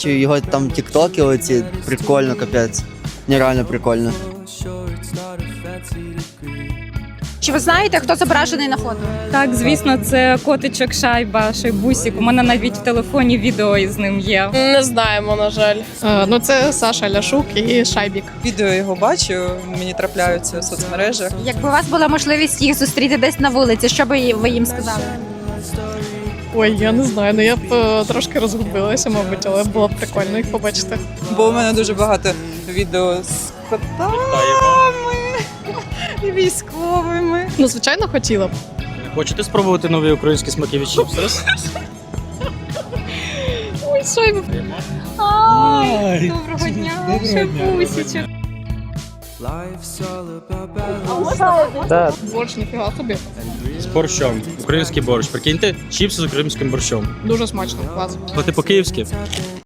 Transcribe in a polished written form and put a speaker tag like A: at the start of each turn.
A: Чи його там тіктоки оці, прикольно, капець. Нереально прикольно.
B: Чи ви знаєте, хто зображений на фото?
C: Так, звісно, це котичок Шайбусік. У мене навіть в телефоні відео із ним є.
D: Не знаємо, на жаль.
E: Ну, це Саша Ляшук і Шайбік.
F: Відео його бачу, мені трапляються в соцмережах.
B: Якби у вас була можливість їх зустріти десь на вулиці, що би ви їм сказали?
E: Ой, я не знаю, ну я б трошки розгубилася, мабуть, але було б прикольно їх побачити.
F: Бо у мене дуже багато відео з котами і військовими.
E: Ну, звичайно, хотіла б.
G: Хочете спробувати нові українські смаки від чіпстерс?
E: Ой, Шайбік.
C: Доброго дня, Шайбусічок.
G: Так.
E: Борщ, ніфіга собі.
G: З борщом. Український борщ. Прикиньте, чіпси з українським борщом.
E: Дуже смачно, клас.
G: Це по-київськи.